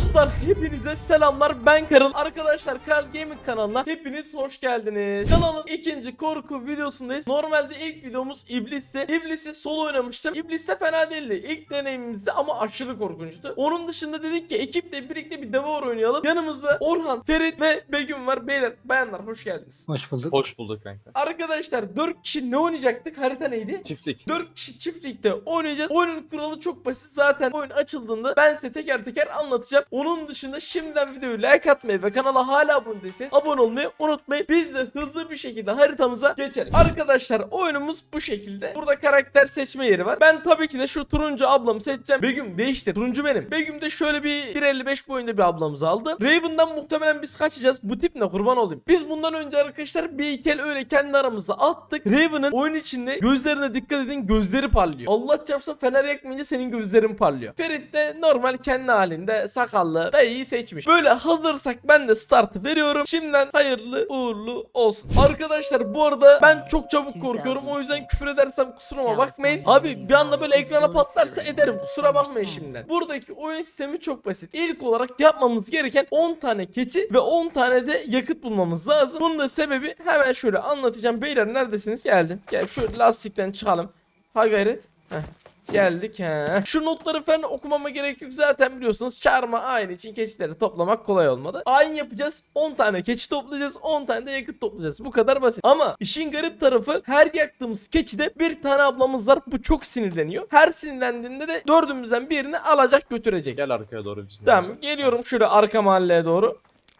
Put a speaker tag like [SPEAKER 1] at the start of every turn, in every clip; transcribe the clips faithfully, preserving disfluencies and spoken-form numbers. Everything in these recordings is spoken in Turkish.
[SPEAKER 1] Dostlar hepinize selamlar, ben Karıl. Arkadaşlar Karl Gaming kanalına hepiniz hoş geldiniz. Kanalın ikinci korku videosundayız. Normalde ilk videomuz İblis'ti. İblis'i solo oynamıştım. İblis de fena değildi ilk deneyimimizde ama aşırı korkunçtu. Onun dışında dedik ki ekiple birlikte bir Devour oynayalım. Yanımızda Orhan, Ferit ve Begüm var. Beyler, bayanlar hoş geldiniz.
[SPEAKER 2] Hoş bulduk.
[SPEAKER 3] Hoş bulduk kanka.
[SPEAKER 1] Arkadaşlar dört kişi ne oynayacaktık? Harita neydi?
[SPEAKER 3] Çiftlik.
[SPEAKER 1] dört kişi çiftlikte oynayacağız. Oyunun kuralı çok basit. Zaten oyun açıldığında ben size teker teker anlatacağım. Onun dışında şimdiden videoyu like atmayı ve kanala hala abone değilseniz abone olmayı unutmayın. Biz de hızlı bir şekilde haritamıza geçelim. Arkadaşlar oyunumuz bu şekilde. Burada karakter seçme yeri var. Ben tabii ki de şu turuncu ablamı seçeceğim. Begüm değiştir. Turuncu benim. Begüm de şöyle bir bir elli beş boyunda bir ablamızı aldı. Raven'dan muhtemelen biz kaçacağız. Bu tip ne, kurban olayım. Biz bundan önce arkadaşlar bir ikel öyle kendi aramızda attık. Raven'ın oyun içinde gözlerine dikkat edin. Gözleri parlıyor. Allah çarpsa fener yakmayınca senin gözlerin parlıyor. Ferit de normal kendi halinde sakallı dayıyı seçmiş. Böyle hazırsak ben de startı veriyorum. Şimdiden hayırlı uğurlu olsun. Arkadaşlar bu arada ben çok çabuk korkuyorum. O yüzden küfür edersem kusuruma bakmayın. Abi bir anda böyle ekrana patlarsa ederim. Kusura bakmayın şimdiden. Buradaki oyun sistemi çok basit. İlk olarak yapmamız gereken on tane keçi ve on tane de yakıt bulmamız lazım. Bunun da sebebi hemen şöyle anlatacağım. Beyler neredesiniz? Geldim. Gel şu lastikten çıkalım. Ha gayret. Heh. Geldik he. Şu notları falan okumama gerek yok, zaten biliyorsunuz çarmıha aynı için keçileri toplamak kolay olmadı. Ayin yapacağız, on tane keçi toplayacağız, on tane de yakıt toplayacağız, bu kadar basit. Ama işin garip tarafı her yaktığımız keçide bir tane ablamız var, bu çok sinirleniyor. Her sinirlendiğinde de dördümüzden birini alacak götürecek.
[SPEAKER 3] Gel arkaya doğru bizim.
[SPEAKER 1] Tamam, geliyorum şöyle arka mahalleye doğru.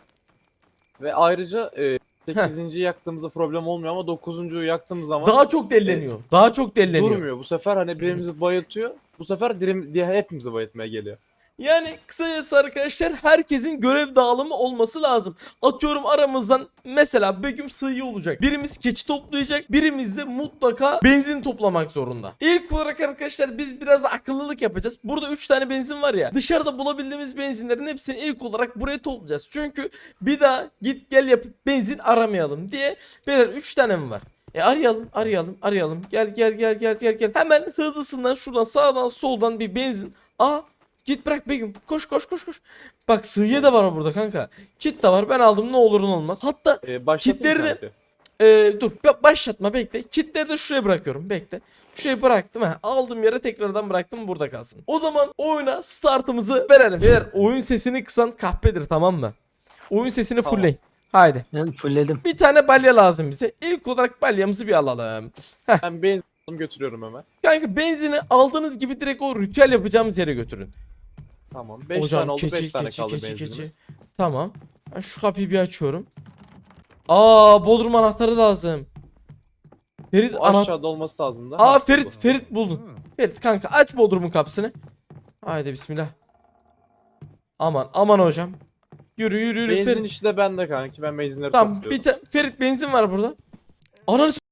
[SPEAKER 3] Ve ayrıca e, sekizinci yaktığımızda problem olmuyor ama dokuzuncuyu yaktığımız zaman
[SPEAKER 1] Daha çok delleniyor, daha çok delleniyor.
[SPEAKER 3] durmuyor. Bu sefer hani birimizi bayıltıyor. Bu sefer dirim, diye hepimizi bayıltmaya geliyor.
[SPEAKER 1] Yani kısacası arkadaşlar herkesin görev dağılımı olması lazım. Atıyorum aramızdan mesela Begüm sığıyı olacak. Birimiz keçi toplayacak. Birimiz de mutlaka benzin toplamak zorunda. İlk olarak arkadaşlar biz biraz da akıllılık yapacağız. Burada üç tane benzin var ya. Dışarıda bulabildiğimiz benzinlerin hepsini ilk olarak buraya toplayacağız. Çünkü bir daha git gel yapıp benzin aramayalım diye. Beyler üç tane mi var? E arayalım, arayalım, arayalım. Gel gel gel gel gel gel. Hemen hızlısından şuradan sağdan soldan bir benzin. Aa, git bırak Begüm. Koş koş koş koş. Bak sığıya da var burada kanka. Kit de var. Ben aldım, ne olur ne olmaz. Hatta
[SPEAKER 3] E, başlatayım
[SPEAKER 1] kitleri de
[SPEAKER 3] kanka.
[SPEAKER 1] e, dur başlatma, bekle. Kitleri de şuraya bırakıyorum. Bekle. Şuraya bıraktım. He. Aldığım yere tekrardan bıraktım. Burada kalsın. O zaman oyuna startımızı verelim. Beyler oyun sesini kısan kahpedir, tamam mı? Oyun sesini
[SPEAKER 3] Tamam.
[SPEAKER 1] fullleyin. Haydi.
[SPEAKER 2] Ben fullledim.
[SPEAKER 1] Bir tane balya lazım bize. İlk olarak balyamızı bir alalım.
[SPEAKER 3] Ben benzin alıp götürüyorum hemen.
[SPEAKER 1] Kanka benzini aldığınız gibi direkt o ritüel yapacağımız yere götürün.
[SPEAKER 3] Tamam. beş
[SPEAKER 1] Hocam,
[SPEAKER 3] tane oldu.
[SPEAKER 1] keçi,
[SPEAKER 3] beş tane
[SPEAKER 1] keçi,
[SPEAKER 3] kaldı
[SPEAKER 1] keçi,
[SPEAKER 3] benzinimiz.
[SPEAKER 1] keçi. Tamam. Ben şu kapıyı bir açıyorum. Aa, bodrum anahtarı lazım. Ferit
[SPEAKER 3] Bu
[SPEAKER 1] ana...
[SPEAKER 3] aşağıda olması lazım da.
[SPEAKER 1] Aa
[SPEAKER 3] Ha,
[SPEAKER 1] Ferit,
[SPEAKER 3] bu.
[SPEAKER 1] Ferit buldun. Ferit kanka aç bodrumun kapısını. Haydi bismillah. Aman aman hocam. Yürü yürü yürü
[SPEAKER 3] Benzin
[SPEAKER 1] Ferit.
[SPEAKER 3] işte bende kanki. Ben benzinleri
[SPEAKER 1] Tamam
[SPEAKER 3] topluyorum.
[SPEAKER 1] bir ta- Ferit benzin var burada. Ananı s-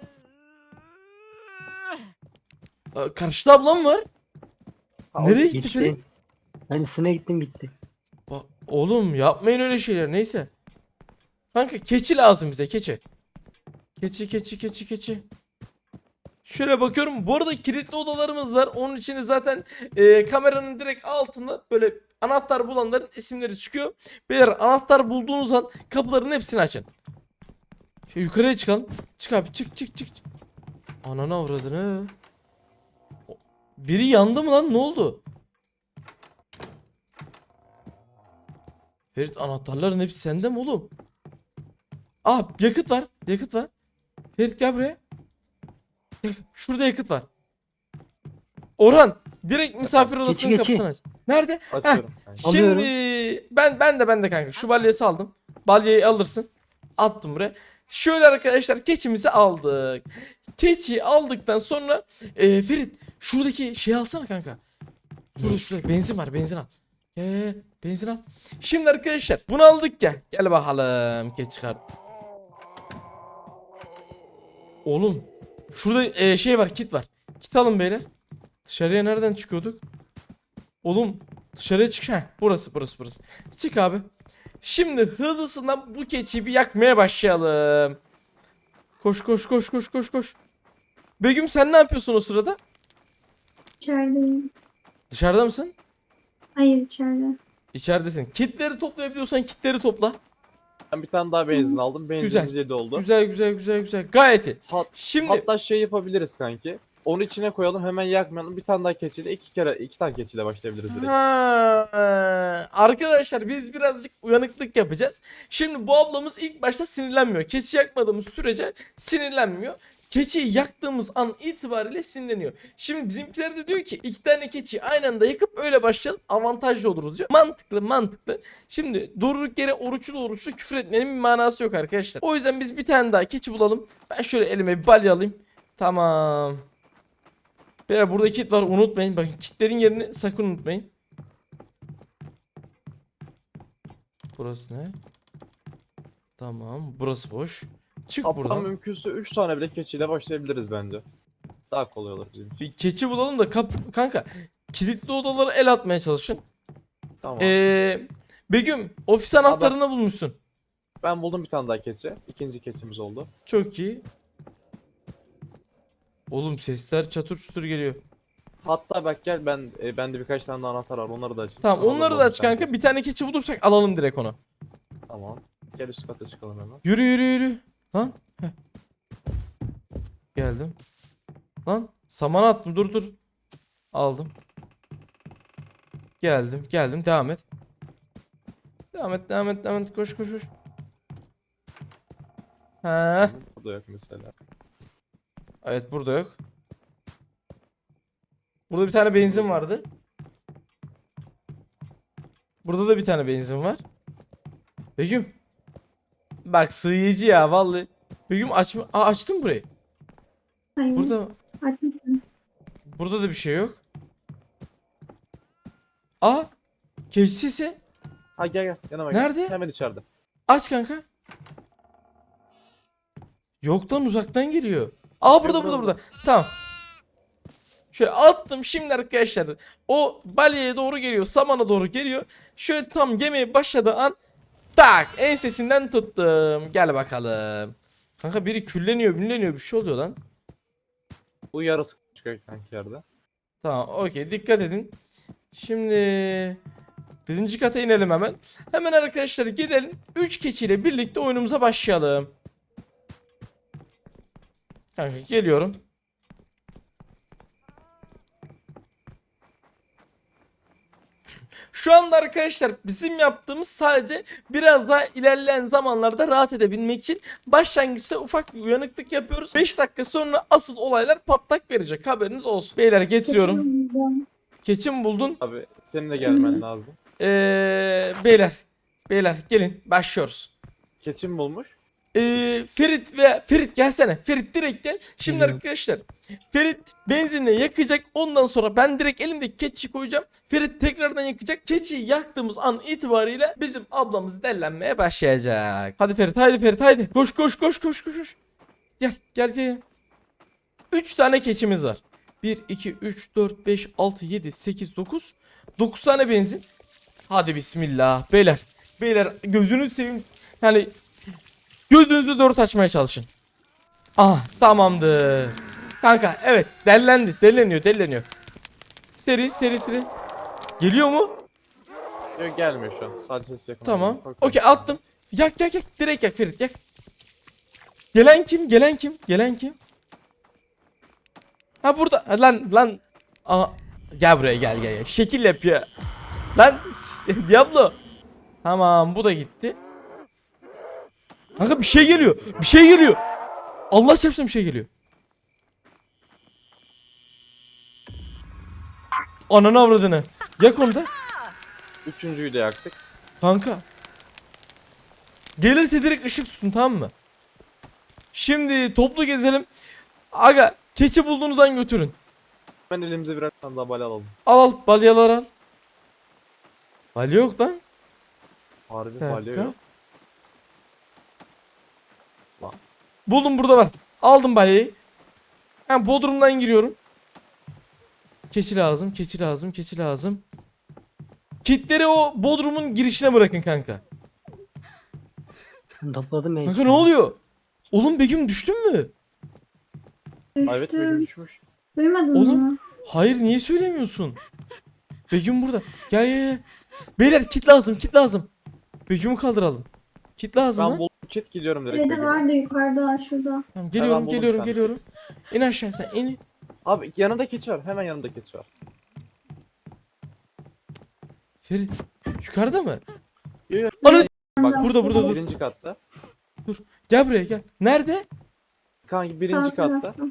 [SPEAKER 1] Aa, karşıda ablam var.
[SPEAKER 3] Ha,
[SPEAKER 1] Nereye
[SPEAKER 3] o-
[SPEAKER 1] gitti
[SPEAKER 2] Gitti.
[SPEAKER 1] Ferit?
[SPEAKER 2] Ben üstüne gittim gitti.
[SPEAKER 1] Ba- Oğlum yapmayın öyle şeyler, neyse. Kanka keçi lazım bize, keçi. Keçi keçi keçi keçi. Şöyle bakıyorum, bu arada kilitli odalarımız var. Onun için de zaten e, kameranın direkt altında böyle anahtar bulanların isimleri çıkıyor. Beyler anahtar bulduğunuz an kapıların hepsini açın. Şöyle yukarıya çıkalım. Çık abi, çık çık çık. Ananı avradını. O- Biri yandı mı lan, ne oldu? Ferit anahtarların hepsi sende mi oğlum? Aa, yakıt var. Yakıt var. Ferit gel buraya. Yak- Şurada yakıt var. Orhan direkt misafir odasının
[SPEAKER 2] Geçi, geçi.
[SPEAKER 1] kapısını aç. Nerede?
[SPEAKER 3] Açıyorum. kanki.
[SPEAKER 1] Şimdi
[SPEAKER 2] Alıyorum.
[SPEAKER 1] ben ben de ben de kanka şu balyayı aldım. Balyayı alırsın. Attım buraya. Şöyle arkadaşlar keçimizi aldık. Keçiyi aldıktan sonra e, Ferit şuradaki şeyi alsana kanka. Şurada şurada benzin var, benzin al. Gel benzin al. Şimdi arkadaşlar bunu aldık ya. Gel bakalım keçi çıkar. Oğlum şurada e, şey var, kit var. Kit alın beyler. Dışarıya nereden çıkıyorduk? Oğlum dışarıya çık. Heh, burası burası burası. Çık abi. Şimdi hızlısından bu keçiyi bir yakmaya başlayalım. Koş koş koş koş koş koş. Begüm sen ne yapıyorsun o sırada?
[SPEAKER 4] İçerideyim.
[SPEAKER 1] Dışarıda mısın?
[SPEAKER 4] Hayır içeride.
[SPEAKER 1] İçeridesin. Kitleri toplayabiliyorsan kitleri topla.
[SPEAKER 3] Ben bir tane daha benzin aldım. Benzinimiz
[SPEAKER 1] Güzel.
[SPEAKER 3] yedi oldu.
[SPEAKER 1] Güzel güzel güzel güzel. Gayet iyi.
[SPEAKER 3] Hat-
[SPEAKER 1] Şimdi
[SPEAKER 3] Hatta şey yapabiliriz kanki. Onu içine koyalım, hemen yakmayalım. Bir tane daha keçiyle iki kere iki tane keçiyle başlayabiliriz direkt.
[SPEAKER 1] Ha, arkadaşlar biz birazcık uyanıklık yapacağız. Şimdi bu ablamız ilk başta sinirlenmiyor. Keçi yakmadığımız sürece sinirlenmiyor. Keçiyi yaktığımız an itibariyle sinirleniyor. Şimdi bizimkiler de diyor ki iki tane keçiyi aynı anda yakıp öyle başlayalım, avantajlı oluruz diyor. Mantıklı mantıklı. Şimdi durduk yere oruçlu oruçlu küfür etmenin bir manası yok arkadaşlar. O yüzden biz bir tane daha keçi bulalım. Ben şöyle elime bir balya alayım. Tamam. Beyler burada kit var, unutmayın. Bakın kitlerin yerini sakın unutmayın. Burası ne? Tamam, burası boş. Çık
[SPEAKER 3] Hatta
[SPEAKER 1] buradan.
[SPEAKER 3] mümkünse üç tane bile keçiyle başlayabiliriz bence. Daha kolay olur bizim için.
[SPEAKER 1] Bir keçi bulalım da kap kanka. Kilitli odalara el atmaya çalışın.
[SPEAKER 3] Tamam.
[SPEAKER 1] Ee, Begüm, ofis anahtarını bulmuşsun.
[SPEAKER 3] Ben buldum bir tane daha keçi. İkinci keçimiz oldu.
[SPEAKER 1] Çok iyi. Oğlum sesler çatır çutur geliyor.
[SPEAKER 3] Hatta bak gel, ben e, bende birkaç tane daha anahtar var. Onları da açayım.
[SPEAKER 1] Tamam,
[SPEAKER 3] Sana
[SPEAKER 1] onları da
[SPEAKER 3] bulalım
[SPEAKER 1] aç
[SPEAKER 3] bir tane.
[SPEAKER 1] kanka. Bir tane keçi bulursak alalım direkt onu.
[SPEAKER 3] Tamam. Gel üst kata çıkalım hemen.
[SPEAKER 1] Yürü yürü yürü. Lan. Heh. Geldim. Lan saman attım, dur dur. Aldım. Geldim geldim, devam et. Devam et devam et devam et, koş koş koş. Ha.
[SPEAKER 3] Burada yok mesela.
[SPEAKER 1] Evet, burada yok. Burada bir tane benzin vardı. Burada da bir tane benzin var. Begüm. Bak sığıyıcı ya vallahi. Begüm açma. Aa, açtın burayı.
[SPEAKER 4] Hayır.
[SPEAKER 1] Burada
[SPEAKER 4] Açmışsın.
[SPEAKER 1] burada da bir şey yok. Aa, keçi sesi.
[SPEAKER 3] Ha gel gel yanıma gel.
[SPEAKER 1] Nerede?
[SPEAKER 3] Hemen içeride.
[SPEAKER 1] Aç kanka. Yoktan uzaktan geliyor. Aa, burada
[SPEAKER 3] Yok,
[SPEAKER 1] burada
[SPEAKER 3] burada.
[SPEAKER 1] burada. Tamam. Şöyle attım şimdi arkadaşlar. O balyaya doğru geliyor. Samana doğru geliyor. Şöyle tam yemeye başladığı an tak ensesinden tuttum. Gel bakalım. Kanka biri külleniyor, bünleniyor, bir şey oluyor lan.
[SPEAKER 3] Bu yaratık çıkıyor kanki yerde.
[SPEAKER 1] Tamam, okey, dikkat edin. Şimdi birinci kata inelim hemen. Hemen arkadaşlar gidelim. üç keçiyle birlikte oyunumuza başlayalım. Kanka geliyorum. Şu anda arkadaşlar bizim yaptığımız sadece biraz daha ilerleyen zamanlarda rahat edebilmek için başlangıçta ufak bir uyanıklık yapıyoruz. beş dakika sonra asıl olaylar patlak verecek, haberiniz olsun. Beyler getiriyorum.
[SPEAKER 4] Kaçırmayacağım.
[SPEAKER 1] Keçi mi buldun?
[SPEAKER 3] Abi senin de gelmen lazım.
[SPEAKER 1] Ee, beyler. Beyler gelin başlıyoruz.
[SPEAKER 3] Keçi mi bulmuş?
[SPEAKER 1] Ee, Ferit ve Ferit gelsene. Ferit direkt gel. Şimdi
[SPEAKER 2] Geliyorum.
[SPEAKER 1] arkadaşlar Ferit benzinle yakacak. Ondan sonra ben direkt elimdeki keçiyi koyacağım. Ferit tekrardan yakacak. Keçiyi yaktığımız an itibariyle bizim ablamız dellenmeye başlayacak. Hadi Ferit, haydi Ferit, haydi. Koş koş koş koş koş. koş. Gel gel gel. üç tane keçimiz var. bir, iki, üç, dört, beş, altı, yedi, sekiz, dokuz. dokuz tane benzin. Hadi bismillah. Beyler. Beyler gözünüzü seveyim. Yani gözünüzü dört açmaya çalışın. Ah, tamamdır. Kanka evet, dellendi. Delleniyor delleniyor. Seri seri seri. Geliyor mu?
[SPEAKER 3] Yok gelmiyor şu an. Sadece ses yakın.
[SPEAKER 1] Tamam.
[SPEAKER 3] Bak-
[SPEAKER 1] Okey, attım. Yak yak yak. Direkt yak Ferit, yak. Gelen kim? Gelen kim? Gelen kim? Ha burada. Ha, lan lan. Aa, gel buraya gel gel gel. Şekil yapıyor. Lan Diablo. Tamam, bu da gitti. Kanka bir şey geliyor. Bir şey geliyor. Allah çarpsın bir şey geliyor. Ananı avradını. Yak onu da.
[SPEAKER 3] Üçüncüyü de yaktık.
[SPEAKER 1] Kanka. Gelirse direkt ışık tutun, tamam mı? Şimdi toplu gezelim. Aga keçi bulduğunuz an götürün.
[SPEAKER 3] Ben elimize birer tane daha bala alalım.
[SPEAKER 1] Al al balyalar al. Balya yok lan.
[SPEAKER 3] Harbi
[SPEAKER 1] Bir
[SPEAKER 3] balya
[SPEAKER 1] dakika.
[SPEAKER 3] yok.
[SPEAKER 1] Buldum, burada var. Aldım balyayı. Ben bodrumdan giriyorum. Keçi lazım, keçi lazım, keçi lazım. Kitleri o bodrumun girişine bırakın kanka.
[SPEAKER 2] Ben topladım ya.
[SPEAKER 1] Kanka ne oluyor? Oğlum Begüm düştün mü?
[SPEAKER 3] Evet
[SPEAKER 4] Düştüm.
[SPEAKER 3] benim düşmüş.
[SPEAKER 4] Duymadın
[SPEAKER 1] Oğlum.
[SPEAKER 4] mı?
[SPEAKER 1] Hayır, niye söylemiyorsun? Begüm burada. Gel gel gel. Beyler kit lazım kit lazım. Begüm'ü kaldıralım. Kit lazım
[SPEAKER 3] Ben
[SPEAKER 1] lan.
[SPEAKER 3] buldum kit gidiyorum direkt.
[SPEAKER 4] Kredi
[SPEAKER 3] Begüm'e.
[SPEAKER 4] vardı yukarıda şurada.
[SPEAKER 1] Tamam, geliyorum
[SPEAKER 3] buldum
[SPEAKER 1] geliyorum
[SPEAKER 3] bir tane
[SPEAKER 1] geliyorum. İn aşağı sen in.
[SPEAKER 3] Abi yanında keçi var. Hemen yanında keçi var.
[SPEAKER 1] Ferit yukarıda mı?
[SPEAKER 3] Yo, yo.
[SPEAKER 1] Ananı s-
[SPEAKER 3] Bak
[SPEAKER 1] burada burada dur.
[SPEAKER 3] birinci katta.
[SPEAKER 1] Gel buraya gel. Nerede?
[SPEAKER 3] Kanki birinci
[SPEAKER 4] Sağ
[SPEAKER 3] katta.
[SPEAKER 4] tarafta.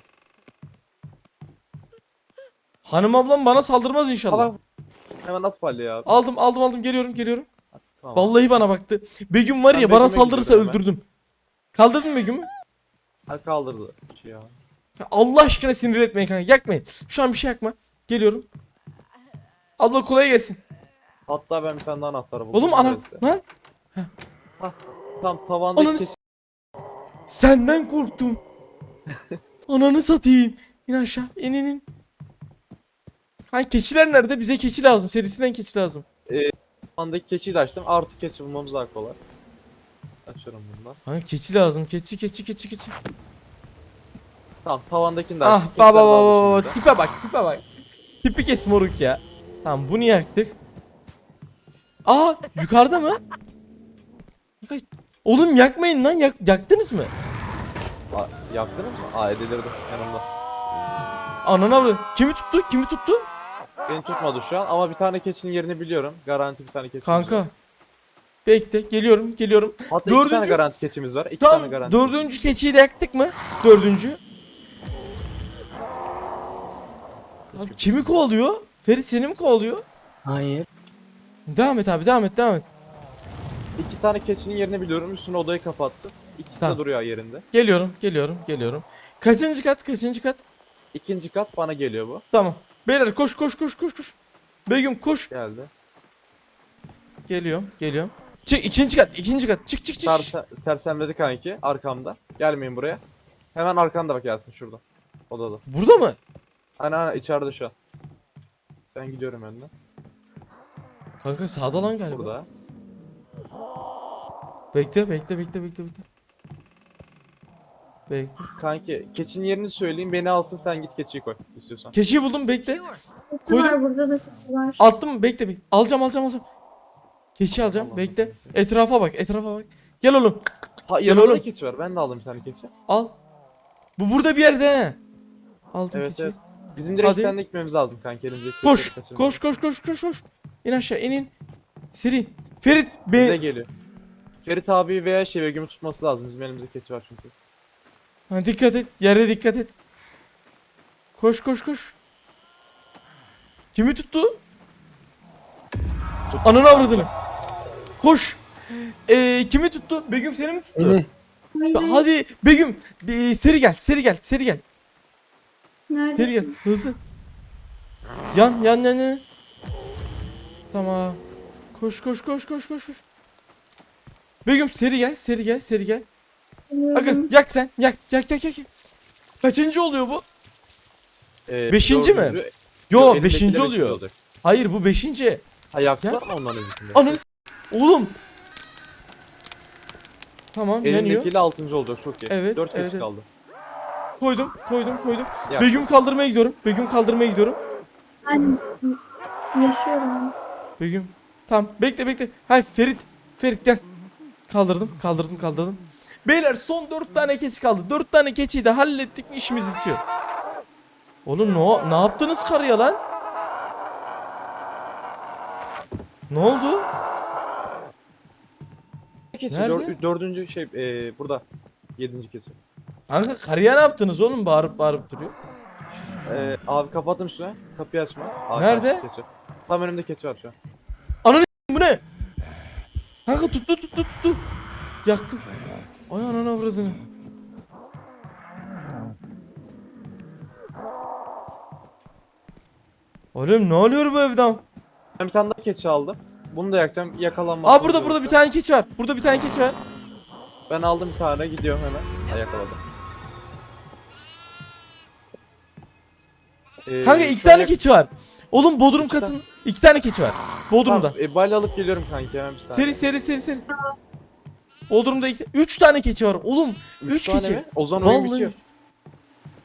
[SPEAKER 1] Hanım ablam bana saldırmaz inşallah.
[SPEAKER 3] Allah. Hemen at palya abi.
[SPEAKER 1] Aldım aldım aldım geliyorum geliyorum.
[SPEAKER 3] Tamam.
[SPEAKER 1] Vallahi bana baktı. Begüm var
[SPEAKER 3] Ben
[SPEAKER 1] ya bana
[SPEAKER 3] Begüm'e
[SPEAKER 1] saldırırsa
[SPEAKER 3] gidiyorum hemen.
[SPEAKER 1] öldürdüm. Kaldırdın mı Begüm'ü?
[SPEAKER 3] Ha, kaldırdı. Ya.
[SPEAKER 1] Ya Allah aşkına sinir etmeyin kanka yakmayın. Şu an bir şey yakma. Geliyorum. Abla kolay gelsin.
[SPEAKER 3] Hatta ben bir tane daha anahtar buldum.
[SPEAKER 1] Oğlum ana
[SPEAKER 3] Neyse.
[SPEAKER 1] lan
[SPEAKER 3] Tam tavandaki
[SPEAKER 1] Ananı
[SPEAKER 3] keçi.
[SPEAKER 1] senden korktum. Ananı satayım. İn aşağı in in in. Kanka keçiler nerede? Bize keçi lazım. Serisinden keçi lazım.
[SPEAKER 3] Tavandaki keçiyi de açtım. Artı keçi bulmamız daha kolay. Açıyorum bundan.
[SPEAKER 1] Kanka keçi lazım. Keçi keçi keçi keçi.
[SPEAKER 3] Tamam tavandakini de
[SPEAKER 1] Ah
[SPEAKER 3] açtık.
[SPEAKER 1] baba
[SPEAKER 3] Keçiler de
[SPEAKER 1] baba
[SPEAKER 3] aldım
[SPEAKER 1] baba
[SPEAKER 3] şimdi.
[SPEAKER 1] tipe bak tipe bak. Tipi kes moruk ya. Tamam bunu yaktık. Aa yukarıda mı? Oğlum yakmayın lan yak, yaktınız mı?
[SPEAKER 3] Aa, yaktınız mı? Aa edilirdim yanımda.
[SPEAKER 1] Ananı avradım. Kimi tuttu? Kimi tuttu?
[SPEAKER 3] Beni tutmadı şu an ama bir tane keçinin yerini biliyorum. Garanti bir tane keçimiz
[SPEAKER 1] Kanka.
[SPEAKER 3] var.
[SPEAKER 1] Bekle geliyorum geliyorum.
[SPEAKER 3] Hatta
[SPEAKER 1] Dördüncü-
[SPEAKER 3] iki tane garanti keçimiz var. İki tane
[SPEAKER 1] Tam
[SPEAKER 3] garanti.
[SPEAKER 1] dördüncü keçiyi de yaktık mı? Dördüncü. Abi, kimi kovalıyor? Ferit seni mi kovalıyor?
[SPEAKER 2] Hayır.
[SPEAKER 1] Devam et abi devam et devam et.
[SPEAKER 3] İki tane keçinin yerini biliyorum. Üstüne odayı kapattı. İkisi
[SPEAKER 1] Tamam.
[SPEAKER 3] de duruyor yerinde.
[SPEAKER 1] Geliyorum geliyorum geliyorum. Kaçıncı kat kaçıncı kat?
[SPEAKER 3] İkinci kat bana geliyor bu.
[SPEAKER 1] Tamam. Beyler koş koş koş koş koş. Begüm koş.
[SPEAKER 3] Geldi.
[SPEAKER 1] Geliyorum geliyorum. Çık ikinci kat ikinci kat çık çık çık.
[SPEAKER 3] Serse sersemledi kanki arkamda. Gelmeyin buraya. Hemen arkanda bak gelsin şurada. Odada.
[SPEAKER 1] Burada mı?
[SPEAKER 3] Ana ana içeride şu an. Ben gidiyorum önden.
[SPEAKER 1] Kanka sağda lan galiba.
[SPEAKER 3] Burada.
[SPEAKER 1] Bekle bekle bekle bekle bekle. Bekle.
[SPEAKER 3] Kanki keçinin yerini söyleyeyim beni alsın sen git keçiyi koy istiyorsan.
[SPEAKER 1] Keçiyi buldum bekle.
[SPEAKER 4] Keçi
[SPEAKER 1] Koydum.
[SPEAKER 4] var burada da keçi var.
[SPEAKER 1] Attım bekle bekle. Alacağım alacağım alacağım. Keçi alacağım
[SPEAKER 3] Allah
[SPEAKER 1] bekle.
[SPEAKER 3] Allah.
[SPEAKER 1] Etrafa bak etrafa bak. Gel oğlum.
[SPEAKER 3] Ha
[SPEAKER 1] Gel
[SPEAKER 3] yanımda
[SPEAKER 1] oğlum.
[SPEAKER 3] da keçi var. Ben de aldım bir tane keçi.
[SPEAKER 1] Al. Bu burada bir yerde he. Aldım
[SPEAKER 3] Evet
[SPEAKER 1] keçiyi.
[SPEAKER 3] evet. Bizim direkt
[SPEAKER 1] Hadi.
[SPEAKER 3] seninle gitmemiz lazım kanki elimizdeki
[SPEAKER 1] Koş.
[SPEAKER 3] keçileri kaçırmayalım.
[SPEAKER 1] Koş koş koş koş koş. İn aşağı in in. Seri. Ferit
[SPEAKER 3] Bize
[SPEAKER 1] be.
[SPEAKER 3] geliyor. Ferit abi veya şey Begüm'ü tutması lazım. Bizim elimizde keçi var çünkü.
[SPEAKER 1] Ha, dikkat et. Yere dikkat et. Koş koş koş. Kimi tuttu?
[SPEAKER 3] Tut.
[SPEAKER 1] Ananı avradını. Koş. Ee, kimi tuttu? Begüm seni mi tuttu?
[SPEAKER 2] Beni.
[SPEAKER 4] Hayır,
[SPEAKER 1] Hadi Begüm. Bir, seri gel. Seri gel. Seri gel.
[SPEAKER 4] nerede?
[SPEAKER 1] Seri gel. Hızlı. Yan yan yan yan. Tamam. Koş koş koş koş koş koş. Begüm seri gel. Seri gel. Seri gel. Aga
[SPEAKER 4] Biliyorum.
[SPEAKER 1] yak sen. Yak yak yak yak. Kaçıncı oluyor bu?
[SPEAKER 3] Ee,
[SPEAKER 1] Beşinci mi?
[SPEAKER 3] dördüncü-
[SPEAKER 1] Yo
[SPEAKER 3] elindekiler
[SPEAKER 1] beşinci
[SPEAKER 3] etkili
[SPEAKER 1] oluyor.
[SPEAKER 3] olacak.
[SPEAKER 1] Hayır bu beşinci.
[SPEAKER 3] Ha yaktılar mı onların öncesinde?
[SPEAKER 1] Ananı s- Oğlum. Tamam yanıyor.
[SPEAKER 3] Elindekiyle altıncı olacak çok iyi.
[SPEAKER 1] Evet,
[SPEAKER 3] Dört
[SPEAKER 1] evet,
[SPEAKER 3] keçi
[SPEAKER 1] evet.
[SPEAKER 3] kaldı.
[SPEAKER 1] Koydum koydum koydum.
[SPEAKER 3] Yak.
[SPEAKER 1] Begüm kaldırmaya gidiyorum. Begüm kaldırmaya gidiyorum.
[SPEAKER 4] Ben yaşıyorum.
[SPEAKER 1] Begüm. Tamam bekle bekle. Hay Ferit. Ferit gel. Kaldırdım kaldırdım kaldırdım. Beyler son dört tane keçi kaldı. dört tane keçiyi de hallettik mi işimiz bitiyor. Oğlum ne, ne yaptınız karıya lan? Ne oldu?
[SPEAKER 3] Keçi
[SPEAKER 1] Nerede?
[SPEAKER 3] dör- dördüncü şey ee, burada. Yedinci keçi.
[SPEAKER 1] Kanka karıya ne yaptınız oğlum bağırıp bağırıp duruyor.
[SPEAKER 3] Ee, abi kapattım üstüne. Kapıyı açma. Aa,
[SPEAKER 1] Nerede?
[SPEAKER 3] Keçi. Tam önümde keçi var şu an.
[SPEAKER 1] Bu ne? Kanka tuttu tuttu tuttu. Yaktım. Ay ananı avradını. Oğlum ne oluyor bu evden?
[SPEAKER 3] Ben bir tane daha keçi aldım. Bunu da yakacağım. Yakalanmaz.
[SPEAKER 1] Aa burada burada bir tane keçi var. Burada bir tane keçi var.
[SPEAKER 3] Ben aldım bir tane gidiyorum hemen. Ha, yakaladım. Ee,
[SPEAKER 1] Kanka iki
[SPEAKER 3] şu an
[SPEAKER 1] tane
[SPEAKER 3] yak-
[SPEAKER 1] keçi var. Oğlum bodrum
[SPEAKER 3] İki
[SPEAKER 1] katın iki tane keçi var. Bodrumda.
[SPEAKER 3] Tamam, e, balya alıp geliyorum kanki hemen bir saniye.
[SPEAKER 1] Seri seri seri seri. Bodrumda iki, üç tane keçi var. Oğlum üç
[SPEAKER 3] tane
[SPEAKER 1] keçi.
[SPEAKER 3] mi? O zaman oyun
[SPEAKER 1] Vallahi.
[SPEAKER 3] bitiyor.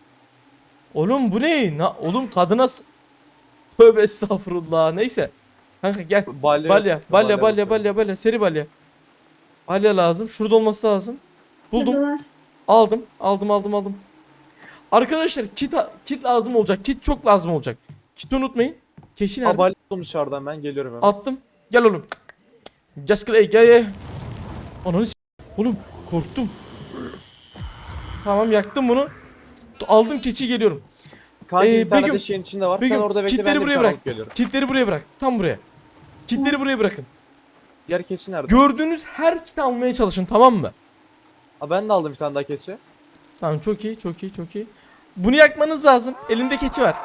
[SPEAKER 1] Oğlum bu ne? Na, oğlum kadına s- Tövbe estağfurullah. Neyse. Kanka gel.
[SPEAKER 3] Balya,
[SPEAKER 1] Balya, balya, balya,
[SPEAKER 3] bakıyorum.
[SPEAKER 1] balya, balya, seri balya. Balya lazım. Şurada olması lazım. Buldum.
[SPEAKER 4] Burada var.
[SPEAKER 1] Aldım. Aldım, aldım, aldım. Arkadaşlar kit kit lazım olacak. Kit çok lazım olacak. Kit unutmayın. Keşi nerede?
[SPEAKER 3] Aa, balya buldum dışarıdan, ben geliyorum hemen.
[SPEAKER 1] Attım. Gel oğlum. Just Clay gel gel. Ananı s- oğlum korktum. Tamam yaktım bunu. Aldım keçi geliyorum.
[SPEAKER 3] Kanki
[SPEAKER 1] Ee,
[SPEAKER 3] bir tane
[SPEAKER 1] Begüm,
[SPEAKER 3] de şeyin içinde var.
[SPEAKER 1] Begüm,
[SPEAKER 3] Sen orada bekle,
[SPEAKER 1] kitleri
[SPEAKER 3] ben de bir
[SPEAKER 1] buraya
[SPEAKER 3] tane
[SPEAKER 1] bırak.
[SPEAKER 3] alıp geliyorum.
[SPEAKER 1] Kitleri buraya bırak. Tam buraya. Kitleri buraya bırakın.
[SPEAKER 3] Diğer keçi nerede?
[SPEAKER 1] Gördüğünüz her kiti almaya çalışın, tamam mı?
[SPEAKER 3] Aa, ben de aldım bir tane daha keçi.
[SPEAKER 1] Tamam, çok iyi, çok iyi, çok iyi. Bunu yakmanız lazım. Elimde keçi var.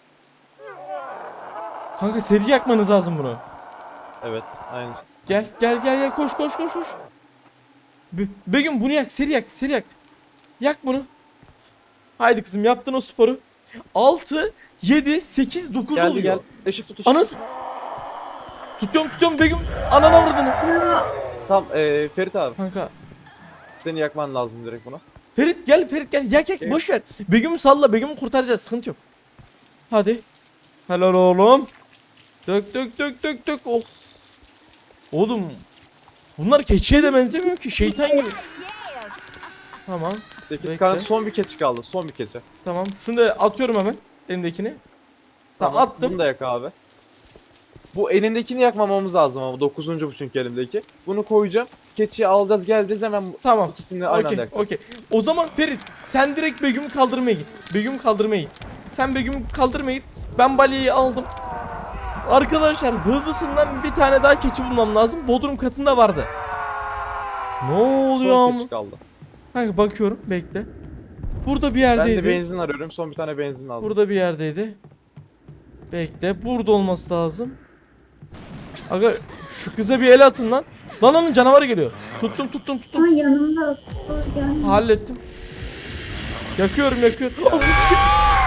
[SPEAKER 1] Kanka seri yakmanız lazım bunu.
[SPEAKER 3] Evet, aynen.
[SPEAKER 1] Gel gel gel gel, koş koş koş koş. Be Begüm bunu yak, seri yak, seri yak. Yak bunu. Haydi kızım, yaptın o sporu. altı, yedi, sekiz, dokuz
[SPEAKER 3] Geldi
[SPEAKER 1] oluyor.
[SPEAKER 3] gel. Işık tut ışık.
[SPEAKER 1] Anası. Tutuyorum tutuyorum Begüm. Ananı avradını.
[SPEAKER 4] Ya,
[SPEAKER 3] Tamam, ee, Ferit abi.
[SPEAKER 1] Kanka.
[SPEAKER 3] Seni yakman lazım direkt buna.
[SPEAKER 1] Ferit gel, Ferit gel. Yak yak,
[SPEAKER 3] Evet.
[SPEAKER 1] boş ver. Begüm'ü salla, Begüm'ü kurtaracağız, sıkıntı yok. Hadi. Helal oğlum. Dök dök dök dök dök. Oh. Oğlum. Bunlar keçiye de benzemiyor ki, şeytan gibi. Tamam.
[SPEAKER 3] sekiz
[SPEAKER 1] Bekle.
[SPEAKER 3] tane, son bir keçi kaldı. Son bir keçi.
[SPEAKER 1] Tamam. Şunu da atıyorum hemen. Elimdekini. Tamam, attım.
[SPEAKER 3] Bunu da yak abi. Bu elindekini yakmamamız lazım ama dokuzuncu bu çünkü elimdeki. Bunu koyacağım. Keçiyi alacağız, geleceğiz hemen
[SPEAKER 1] Tamam.
[SPEAKER 3] ikisini aynı anda
[SPEAKER 1] Okey,
[SPEAKER 3] yakacağız.
[SPEAKER 1] okey. O zaman Ferit sen direkt Begüm'ü kaldırmaya git. Begüm'ü kaldırmaya git. Sen Begüm'ü kaldırmaya git. Ben balyayı aldım. Arkadaşlar hızlısından bir tane daha keçi bulmam lazım. Bodrum katında vardı. Ne oluyor
[SPEAKER 3] Son
[SPEAKER 1] ama?
[SPEAKER 3] keçi kaldı.
[SPEAKER 1] Kanka bakıyorum, bekle. Burada bir
[SPEAKER 3] Ben
[SPEAKER 1] yerdeydi.
[SPEAKER 3] de benzin arıyorum. Son bir tane benzin aldım.
[SPEAKER 1] Burada bir yerdeydi. Bekle, burada olması lazım. Aga şu kıza bir el atın lan. Lan onun canavarı geliyor. Tuttum tuttum tuttum.
[SPEAKER 4] ay yanımda. Dur, gelme.
[SPEAKER 1] Hallettim. Yakıyorum yakıyorum. Ananı sikeyim.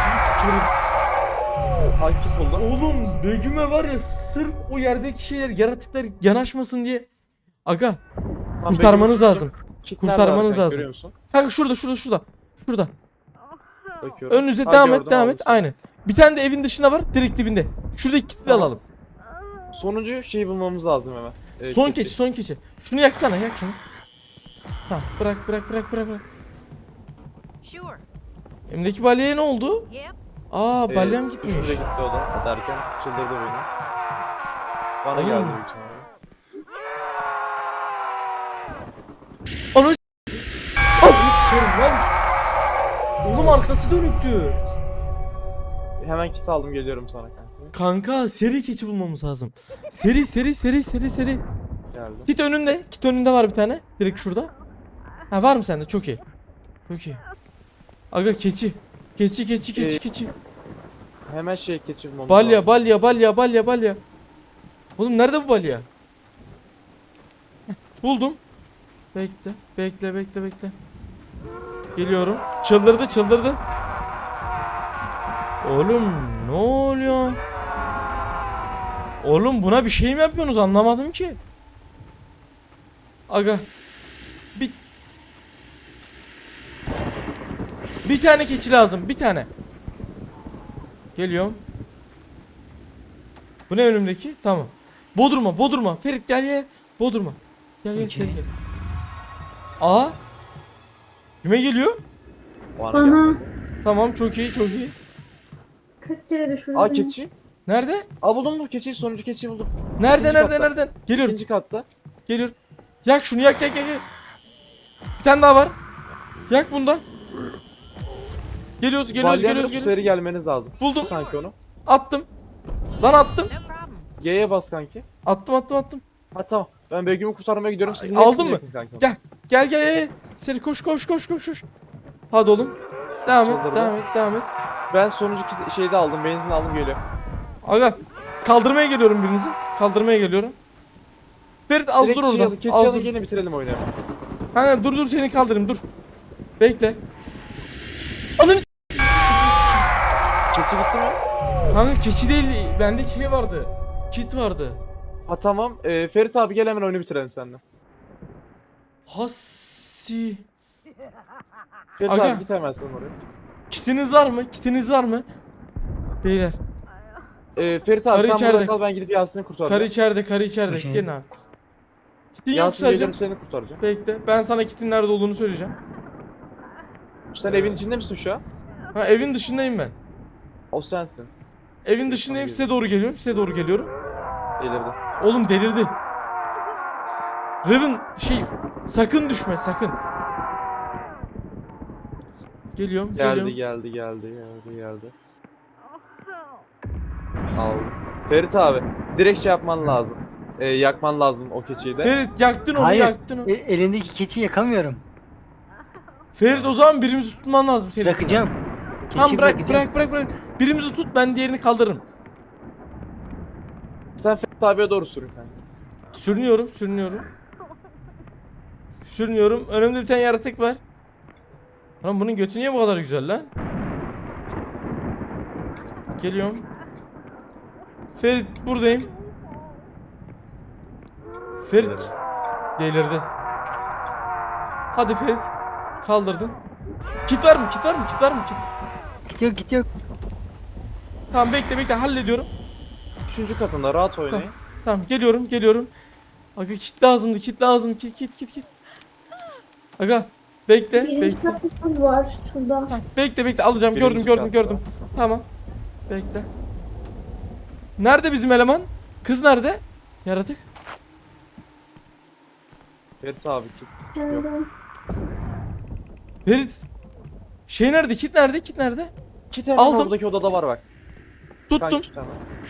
[SPEAKER 3] Takip buldum.
[SPEAKER 1] Oğlum Begüm'e var ya, sırf o yerdeki şeyler, yaratıklar yanaşmasın diye. Aga
[SPEAKER 3] Tam
[SPEAKER 1] kurtarmanız
[SPEAKER 3] benim-
[SPEAKER 1] lazım.
[SPEAKER 3] Kit nerede
[SPEAKER 1] Kurtarmanız
[SPEAKER 3] var kanka,
[SPEAKER 1] lazım.
[SPEAKER 3] görüyor musun?
[SPEAKER 1] Kanka şurada şurada şurada. Şurada.
[SPEAKER 3] Bakıyorum.
[SPEAKER 1] Önünüze
[SPEAKER 3] Ha,
[SPEAKER 1] devam
[SPEAKER 3] gördüm,
[SPEAKER 1] et devam
[SPEAKER 3] aldım
[SPEAKER 1] et.
[SPEAKER 3] seni.
[SPEAKER 1] Aynen. Bir tane de evin dışında var, direkt dibinde. Şuradaki kiti de
[SPEAKER 3] Tamam.
[SPEAKER 1] alalım.
[SPEAKER 3] Sonuncu şeyi bulmamız lazım hemen. Ee,
[SPEAKER 1] Son keçi son keçi. Şunu yaksana, yak şunu. Ha bırak bırak bırak bırak bırak.
[SPEAKER 5] Sure.
[SPEAKER 1] Elimdeki balyaya ne oldu?
[SPEAKER 5] Yep.
[SPEAKER 1] Aa
[SPEAKER 3] Ee,
[SPEAKER 1] balyam gitmiş.
[SPEAKER 3] Şurada gitti o da derken çıldırdı beni. Bana
[SPEAKER 1] Oğlum.
[SPEAKER 3] geldi büyük ihtimalle.
[SPEAKER 1] Ananı s- Ananı sikerim lan. Oğlum arkası dönüktü.
[SPEAKER 3] Hemen kit aldım, geliyorum sana kanka.
[SPEAKER 1] Kanka seri keçi bulmamız lazım. Seri seri seri seri seri.
[SPEAKER 3] Geldim.
[SPEAKER 1] Kit önünde. Kit önünde var bir tane. Direkt şurada. Ha var mı sende? Çok iyi. Çok iyi. Aga keçi. Keçi keçi keçi
[SPEAKER 3] Ee,
[SPEAKER 1] keçi.
[SPEAKER 3] Hemen şey keçi bulmamız
[SPEAKER 1] Balya
[SPEAKER 3] lazım.
[SPEAKER 1] balya balya balya balya. Oğlum nerede bu balya? Heh, buldum. Bekle bekle bekle bekle. Geliyorum. Çıldırdı çıldırdı. Oğlum ne oluyor? Oğlum buna bir şey mi yapıyorsunuz, anlamadım ki. Aga. Bir Bir tane keçi lazım, bir tane. Geliyorum. Bu ne önümdeki? Tamam. Bodruma, Bodruma. Ferit gel gel. Bodruma. Gel gel, seri gel. Aa. Kime geliyor?
[SPEAKER 3] Bana
[SPEAKER 4] Bana.
[SPEAKER 3] gelmedi.
[SPEAKER 1] Tamam, çok iyi, çok iyi.
[SPEAKER 4] Kaç kere düşürdün?
[SPEAKER 3] Aa, keçi.
[SPEAKER 1] Nerede?
[SPEAKER 3] Aa, buldum bu keçiyi, sonuncu keçiyi buldum.
[SPEAKER 1] Nerede,
[SPEAKER 3] İkinci
[SPEAKER 1] nerede,
[SPEAKER 3] katta.
[SPEAKER 1] nereden? Geliyorum,
[SPEAKER 3] İkinci katta.
[SPEAKER 1] geliyorum. Yak şunu, yak, yak, yak, yak. Bir tane daha var. Yak bunda. Geliyoruz, geliyoruz,
[SPEAKER 3] Balyanla
[SPEAKER 1] geliyoruz,
[SPEAKER 3] bu
[SPEAKER 1] geliyoruz.
[SPEAKER 3] seri gelmeniz lazım.
[SPEAKER 1] Buldum.
[SPEAKER 3] Kanki onu.
[SPEAKER 1] Attım. Lan attım.
[SPEAKER 5] No problem.
[SPEAKER 3] G'ye bas kanki.
[SPEAKER 1] Attım, attım, attım.
[SPEAKER 3] Ha tamam. Ben Begüm'ü kurtarmaya gidiyorum. Sizin
[SPEAKER 1] Aldın
[SPEAKER 3] hepsini
[SPEAKER 1] mı?
[SPEAKER 3] yakın kanki.
[SPEAKER 1] Gel. Gel, gel, gel. Seri koş, koş, koş, koş, koş. Hadi oğlum. Devam et,
[SPEAKER 3] Çıldırdı.
[SPEAKER 1] devam et, devam et.
[SPEAKER 3] Ben sonuncu ki- şeyi de aldım. Benzin aldım, geliyor.
[SPEAKER 1] Aga. Kaldırmaya geliyorum birinizi. Kaldırmaya geliyorum. Ferit az
[SPEAKER 3] Direkt
[SPEAKER 1] dur orada.
[SPEAKER 3] çiğ- keçi
[SPEAKER 1] Az
[SPEAKER 3] alıp
[SPEAKER 1] dur.
[SPEAKER 3] yine bitirelim oyunu.
[SPEAKER 1] Hani dur dur, seni kaldırayım, dur. Bekle. Ananı
[SPEAKER 3] Keçi gitti mi?
[SPEAKER 1] Kanka keçi değil, bende şey vardı. Kit vardı.
[SPEAKER 3] Ha tamam. Ee, Ferit abi gel, hemen oyunu bitirelim seninle.
[SPEAKER 1] Hassi.
[SPEAKER 3] Ferit
[SPEAKER 1] Aga.
[SPEAKER 3] abi git hemen sen oraya.
[SPEAKER 1] Kitiniz var mı? Kitiniz var mı? Beyler.
[SPEAKER 3] Ee, Ferit abi
[SPEAKER 1] Karı
[SPEAKER 3] sen
[SPEAKER 1] içeride.
[SPEAKER 3] burada kal, ben gidip Yasin'i kurtaracağım.
[SPEAKER 1] Karı içeride, karı içeride.
[SPEAKER 2] Şey.
[SPEAKER 1] Gelin abi. Kitin yok
[SPEAKER 3] Yasin
[SPEAKER 1] sadece.
[SPEAKER 3] gelirim seni kurtaracağım.
[SPEAKER 1] Bekle. Ben sana kitin nerede olduğunu söyleyeceğim.
[SPEAKER 3] Sen evin içinde misin şu an?
[SPEAKER 1] Ha, evin dışındayım ben.
[SPEAKER 3] O sensin.
[SPEAKER 1] Evin dışındayım. Size doğru geliyorum. Size doğru geliyorum.
[SPEAKER 3] Delirdi.
[SPEAKER 1] Oğlum delirdi. Raven şey sakın düşme sakın. Geliyorum,
[SPEAKER 3] Geldi
[SPEAKER 1] geliyorum.
[SPEAKER 3] geldi geldi geldi geldi. Aldım. Ferit abi direkt şey yapman lazım. Ee, yakman lazım o keçiyi de.
[SPEAKER 1] Ferit yaktın onu,
[SPEAKER 2] Hayır.
[SPEAKER 1] yaktın onu.
[SPEAKER 2] E, elindeki keçi yakamıyorum.
[SPEAKER 1] Ferit o zaman birimizi tutman lazım senin.
[SPEAKER 2] Bırakacağım. Keçi
[SPEAKER 1] Tamam bırak,
[SPEAKER 2] bırakacağım.
[SPEAKER 1] bırak, bırak, bırak. Birimizi tut, ben diğerini kaldırırım.
[SPEAKER 3] Sen Ferit abiye doğru sürün kanka.
[SPEAKER 1] Sürünüyorum, sürünüyorum. Sürünüyorum. Önümde bir tane yaratık var. Lan bunun götü niye bu kadar güzel lan? Geliyorum. Ferit buradayım. Ferit delirdi. Hadi Ferit. Kaldırdın. Kit var mı? Kit var mı? Kit var mı? Kit.
[SPEAKER 2] Git yok git yok.
[SPEAKER 1] Tamam bekle bekle hallediyorum.
[SPEAKER 3] Üçüncü katında rahat oynayın.
[SPEAKER 1] Tamam geliyorum geliyorum. Aga kit lazımdı, kit lazım. Kit kit kit kit. Aga bekle
[SPEAKER 4] Birinci
[SPEAKER 1] bekle.
[SPEAKER 4] katta kız var şurada.
[SPEAKER 1] Tamam bekle bekle alacağım. Gördüm
[SPEAKER 3] Birinci
[SPEAKER 1] gördüm
[SPEAKER 3] katta.
[SPEAKER 1] gördüm. Tamam. Bekle. Nerede bizim eleman? Kız nerede? Yaratık.
[SPEAKER 3] Ferit abi git.
[SPEAKER 4] Şöyle.
[SPEAKER 1] Ferit. Şey nerede? Kit nerede? Kit nerede?
[SPEAKER 3] İki tane
[SPEAKER 1] Aldım.
[SPEAKER 3] oradaki odada var bak.
[SPEAKER 1] Tuttum.
[SPEAKER 3] Kanka, iki tane.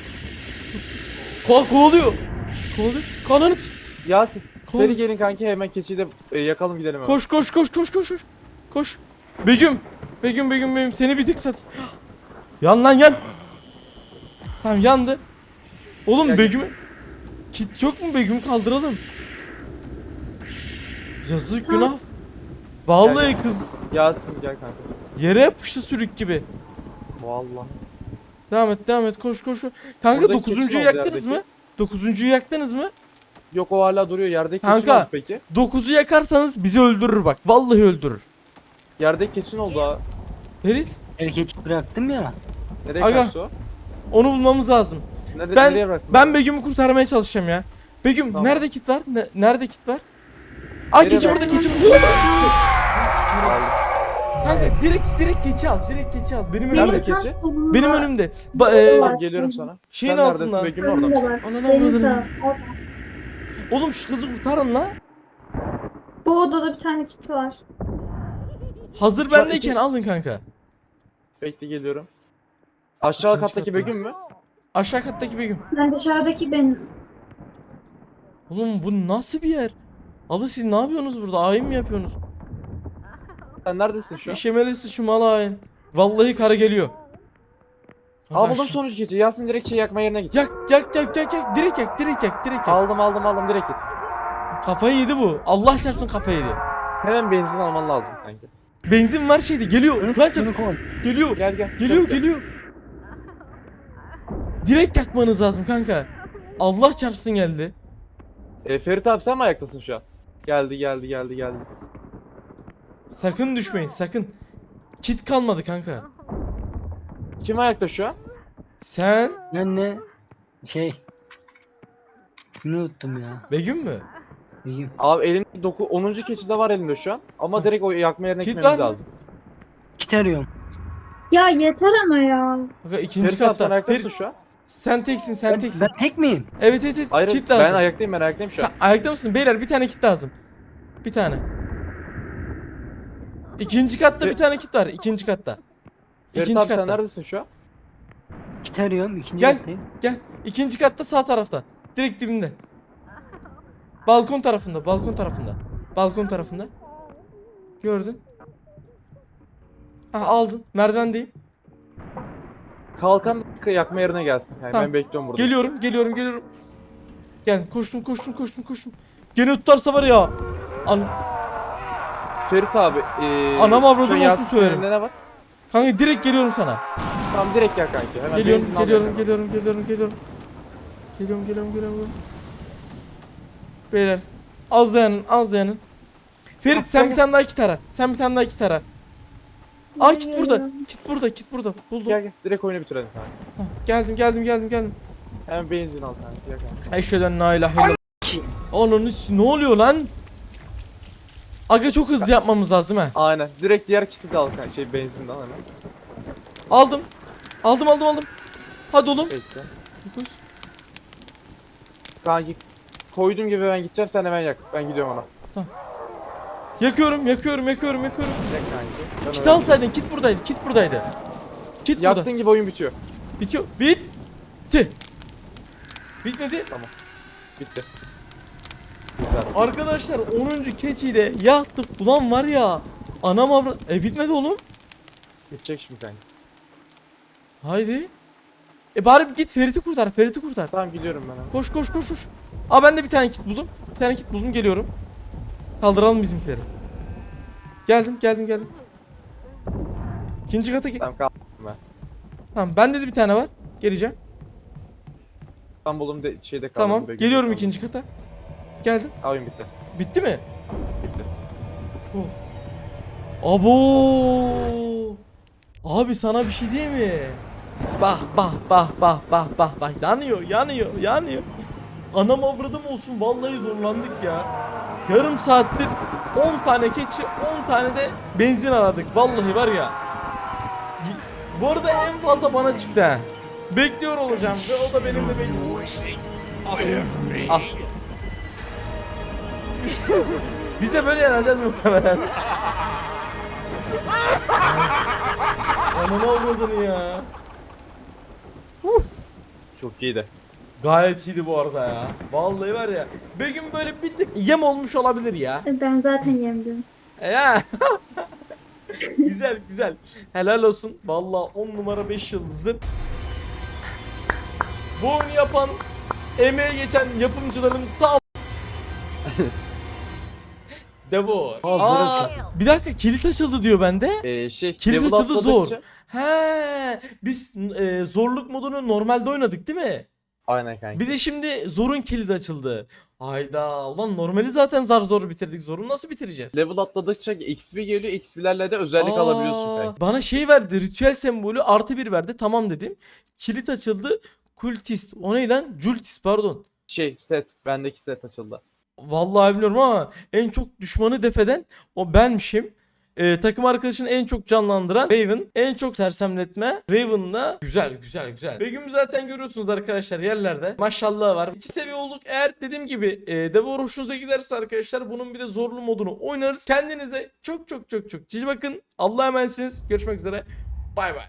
[SPEAKER 1] Ko kovalıyor. Kovalıyor. Kananı s-
[SPEAKER 3] Yasin
[SPEAKER 1] Kol-
[SPEAKER 3] seri gelin kanki, hemen keçiyi de e, yakalım gidelim hemen.
[SPEAKER 1] Koş koş koş koş koş koş. Koş. Begüm. Begüm Begüm Begüm seni bir tık sat. Yan lan yan. Tamam yandı. Oğlum
[SPEAKER 3] Gel, gel.
[SPEAKER 1] Begüm. Kit yok mu Begüm, kaldıralım. Yazık
[SPEAKER 4] Tamam.
[SPEAKER 1] günah. Vallahi
[SPEAKER 3] Gel, gel.
[SPEAKER 1] kız
[SPEAKER 3] Yasin gel kanka.
[SPEAKER 1] yere yapıştı sürük gibi.
[SPEAKER 3] Vallahi.
[SPEAKER 1] Devam et devam et koş koş koş. Kanka
[SPEAKER 3] Buradaki
[SPEAKER 1] dokuzuncuyu
[SPEAKER 3] keçi oldu
[SPEAKER 1] yaktınız
[SPEAKER 3] yerdeki.
[SPEAKER 1] mı? Dokuzuncuyu yaktınız mı?
[SPEAKER 3] Yok o hala duruyor yerdeki keçi
[SPEAKER 1] Kanka.
[SPEAKER 3] ne oldu peki?
[SPEAKER 1] Dokuzu yakarsanız bizi öldürür bak. Vallahi öldürür.
[SPEAKER 3] Yerdeki keçi ne oldu ha?
[SPEAKER 1] Ferit
[SPEAKER 2] El keçi bıraktım ya.
[SPEAKER 3] Nereye
[SPEAKER 1] Aga.
[SPEAKER 3] kaçtı o?
[SPEAKER 1] onu bulmamız lazım.
[SPEAKER 3] Nerede,
[SPEAKER 1] Ben
[SPEAKER 3] nereye bıraktın?
[SPEAKER 1] ben Begüm'ü kurtarmaya çalışacağım ya. Begüm
[SPEAKER 3] Tamam.
[SPEAKER 1] nerede kit var? Ne- nerede kit var? Ay
[SPEAKER 3] Nereye
[SPEAKER 1] keçi burada
[SPEAKER 3] bıraktın?
[SPEAKER 1] keçi.
[SPEAKER 3] Aldım.
[SPEAKER 1] Kanka direkt direkt keçi al. Direkt keçi al. Benim
[SPEAKER 3] Nerede
[SPEAKER 1] önümde.
[SPEAKER 3] keçi?
[SPEAKER 4] tam solunda-
[SPEAKER 1] Benim önümde. Ba- e,
[SPEAKER 3] Tamam geliyorum sana.
[SPEAKER 1] şeyin
[SPEAKER 3] Sen neredesin
[SPEAKER 1] altında.
[SPEAKER 3] Begüm, orada
[SPEAKER 4] Önünde
[SPEAKER 3] mısın?
[SPEAKER 4] var.
[SPEAKER 1] Ananı
[SPEAKER 4] Benim
[SPEAKER 1] avradını.
[SPEAKER 4] sağ- orada.
[SPEAKER 1] Oğlum şu kızı kurtarın la.
[SPEAKER 4] Bu odada bir tane kit var.
[SPEAKER 1] Hazır
[SPEAKER 3] Şu an
[SPEAKER 1] bendeyken
[SPEAKER 3] iki-
[SPEAKER 1] alın kanka.
[SPEAKER 3] Bekle geliyorum. Aşağı
[SPEAKER 1] İkinci
[SPEAKER 3] kattaki
[SPEAKER 1] katta.
[SPEAKER 3] Begüm mü?
[SPEAKER 1] Aşağı kattaki Begüm.
[SPEAKER 4] Ben dışarıdaki benim.
[SPEAKER 1] Oğlum bu nasıl bir yer? Abla siz ne yapıyorsunuz burada? Ayin mi yapıyorsunuz?
[SPEAKER 3] Sen neredesin şu an?
[SPEAKER 1] İşemeli sıçmalı ayin. Vallahi karı geliyor.
[SPEAKER 3] Al buldum
[SPEAKER 1] Aşağı-
[SPEAKER 3] sonuncu keçi. Yasin direkt şey yakma yerine git.
[SPEAKER 1] Yak yak yak yak yak. Direkt yak direkt yak direkt yak.
[SPEAKER 3] Aldım aldım aldım direkt git.
[SPEAKER 1] Kafayı yedi bu. Allah çarpsın kafayı yedi.
[SPEAKER 3] Hemen benzin alman lazım kanka.
[SPEAKER 1] Benzin var şeydi. Geliyor. Lan çarp.
[SPEAKER 2] Bunu koy.
[SPEAKER 1] Geliyor.
[SPEAKER 3] Gel gel.
[SPEAKER 1] Geliyor
[SPEAKER 3] çabuk gel.
[SPEAKER 1] geliyor. Direkt yakmanız lazım kanka. Allah çarpsın geldi.
[SPEAKER 3] E, Ferit abi sen mi ayaktasın şu an? Geldi geldi geldi geldi.
[SPEAKER 1] Sakın düşmeyin sakın. Kit kalmadı kanka.
[SPEAKER 3] Kim ayakta şu an?
[SPEAKER 1] Sen
[SPEAKER 2] Ben ne? Şey. İsmini unuttum ya.
[SPEAKER 1] Begüm mü?
[SPEAKER 2] Begüm.
[SPEAKER 3] Abi elinde doku onuncu keçi de var elinde şu an. Ama direkt o yakma yerine
[SPEAKER 1] Kit
[SPEAKER 3] gitmemiz
[SPEAKER 1] var mı?
[SPEAKER 3] lazım.
[SPEAKER 2] Kit arıyorum.
[SPEAKER 4] Ya yeter ama ya.
[SPEAKER 1] Kanka ikinci
[SPEAKER 3] Ferit abi sen
[SPEAKER 1] katta.
[SPEAKER 3] ayaktasın
[SPEAKER 1] Ferit,
[SPEAKER 3] şu an.
[SPEAKER 1] sen teksin sen
[SPEAKER 2] Ben,
[SPEAKER 1] teksin.
[SPEAKER 2] ben tek miyim?
[SPEAKER 1] Evet evet evet.
[SPEAKER 3] Hayır
[SPEAKER 1] Kit
[SPEAKER 3] ben
[SPEAKER 1] lazım.
[SPEAKER 3] ayaktayım ben ayaktayım şu an.
[SPEAKER 1] Sen ayakta mısın? Beyler bir tane kit lazım. Bir tane. İkinci katta
[SPEAKER 3] Fe-
[SPEAKER 1] bir tane kit var. İkinci katta.
[SPEAKER 3] Ferit
[SPEAKER 1] İkinci
[SPEAKER 3] abi sen
[SPEAKER 1] katta.
[SPEAKER 3] neredesin şu an?
[SPEAKER 2] Kit arıyorum. İkinci
[SPEAKER 1] Gel.
[SPEAKER 2] kattayım.
[SPEAKER 1] Gel. İkinci katta sağ tarafta. Direkt dibinde. Balkon tarafında. Balkon tarafında. Balkon tarafında. Gördün. Ha aldın. Merdivendeyim.
[SPEAKER 3] Kalkan yakma yerine gelsin. Yani
[SPEAKER 1] Tamam.
[SPEAKER 3] ben bekliyorum burada.
[SPEAKER 1] Geliyorum. Geliyorum. Geliyorum. Gel. Koştum. Koştum. Koştum. Koştum. Gene tutarsa var ya. An
[SPEAKER 3] Ferit abi. E,
[SPEAKER 1] Anam avradım
[SPEAKER 3] şu an
[SPEAKER 1] olsun
[SPEAKER 3] Yasin
[SPEAKER 1] söylerim.
[SPEAKER 3] elinde ne var?
[SPEAKER 1] Kanka direkt geliyorum sana.
[SPEAKER 3] Tamam direkt yak kanki. Hemen
[SPEAKER 1] Geliyorum.
[SPEAKER 3] benzin al
[SPEAKER 1] Geliyorum.
[SPEAKER 3] yak.
[SPEAKER 1] Geliyorum. Geliyorum. Geliyorum. Geliyorum. Geliyorum. Geliyorum. Beyler. Az dayanın. Az dayanın. Ferit
[SPEAKER 3] Ah,
[SPEAKER 1] sen
[SPEAKER 3] gel,
[SPEAKER 1] bir tane daha kit ara. Sen bir tane daha kit ara. Aa kit burada.
[SPEAKER 4] Geliyorum.
[SPEAKER 1] Kit burada. Kit burada. Buldum.
[SPEAKER 3] Gel gel direkt oyunu bitirelim kanka.
[SPEAKER 1] Hah, geldim geldim geldim geldim.
[SPEAKER 3] Hemen benzin al kanka. Gel kanka.
[SPEAKER 1] Eşhedü la ilahe illallah. Onun için ne oluyor lan? Aga çok hızlı yapmamız lazım ha.
[SPEAKER 3] Aynen. Direkt diğer kiti de al kanka. Şey benzin de al hemen.
[SPEAKER 1] Aldım. Aldım aldım aldım. Hadi oğlum.
[SPEAKER 3] Bekle. Kanki koyduğum gibi ben gideceğim sen hemen yak. Ben gidiyorum ona.
[SPEAKER 1] Yakıyorum yakıyorum yakıyorum yakıyorum.
[SPEAKER 3] Yak kanki. Ben
[SPEAKER 1] Kit
[SPEAKER 3] hemen-
[SPEAKER 1] alsaydın, kit buradaydı, kit buradaydı. Kit burada.
[SPEAKER 3] Yaktığın gibi oyun bitiyor.
[SPEAKER 1] Bitiyor. Bitti. Bitmedi.
[SPEAKER 3] Bitti. Güzel.
[SPEAKER 1] Arkadaşlar onuncu keçiyi de yaktık. Ulan var ya. Anam avra... E bitmedi oğlum.
[SPEAKER 3] Bitecek şimdi kanka.
[SPEAKER 1] Haydi. E bari git Ferit'i kurtar, Ferit'i kurtar.
[SPEAKER 3] Tamam gidiyorum ben hemen.
[SPEAKER 1] Koş koş koş koş. Aa ben de bir tane kit buldum. Bir tane kit buldum, geliyorum. Kaldıralım bizimkileri. Geldim geldim geldim. İkinci kata ge-
[SPEAKER 3] Tamam kaldım ben.
[SPEAKER 1] Tamam bende de bir tane var. Geleceğim.
[SPEAKER 3] Tam buldum de şeyde kaldım.
[SPEAKER 1] Tamam.
[SPEAKER 3] Bekle,
[SPEAKER 1] Geliyorum
[SPEAKER 3] kaldım.
[SPEAKER 1] ikinci kata. Geldim.
[SPEAKER 3] Aa, oyun bitti.
[SPEAKER 1] Bitti mi?
[SPEAKER 3] Bitti.
[SPEAKER 1] Oh. Abo. Abi sana bir şey diyeyim mi? Bah bah bah bah bah bah bah yanıyor yanıyor yanıyor. Anam avradım olsun, vallahi zorlandık ya. Yarım saattir on tane keçi, on tane de benzin aradık. Vallahi var ya. Y- Bu arada en fazla bana çıktı ha. Bekliyor olacağım ve o da benimle bekliyor. Ah. Biz de böyle yanacağız muhtemelen. Ananı avradını ya.
[SPEAKER 3] Çok iyiydi.
[SPEAKER 1] Gayet iyiydi bu arada ya. Vallahi var ya. Bir gün böyle bir tık yem olmuş olabilir ya.
[SPEAKER 4] E, Ben zaten yemdim.
[SPEAKER 1] E ya. Güzel güzel. Helal olsun. Vallahi on numara beş yıldızdı. Bu oyunu yapan, emeğe geçen yapımcıların tam Devor.
[SPEAKER 2] Aa,
[SPEAKER 1] Aa, bir dakika kilit açıldı diyor bende.
[SPEAKER 3] Ee, şey
[SPEAKER 1] Kilit
[SPEAKER 3] level
[SPEAKER 1] açıldı zor.
[SPEAKER 3] atladıkça-
[SPEAKER 1] He, biz e, zorluk modunu normalde oynadık değil mi?
[SPEAKER 3] Aynen kanka.
[SPEAKER 1] Bir de şimdi zorun kilidi açıldı. Hayda, ulan normali zaten zar zor bitirdik. Zoru nasıl bitireceğiz?
[SPEAKER 3] Level atladıkça X P geliyor. X P'lerle de özellik
[SPEAKER 1] Aa,
[SPEAKER 3] alabiliyorsun kanka.
[SPEAKER 1] Bana şey verdi, ritüel sembolü artı bir verdi. Tamam dedim. Kilit açıldı. Kultist. O ne lan? Jultist pardon.
[SPEAKER 3] Şey set. Bendeki set açıldı.
[SPEAKER 1] Vallahi bilmiyorum ama en çok düşmanı defeden o benmişim. Ee, takım arkadaşını en çok canlandıran Raven, en çok sersemletme Raven'la güzel güzel güzel. Begüm zaten görüyorsunuz arkadaşlar yerlerde. Maşallah var. İki seviye olduk. Eğer dediğim gibi e, Devor hoşunuza giderse arkadaşlar bunun bir de zorlu modunu oynarız. Kendinize çok çok çok çok cici bakın. Allah'a emanetsiniz. Görüşmek üzere. Bay bay.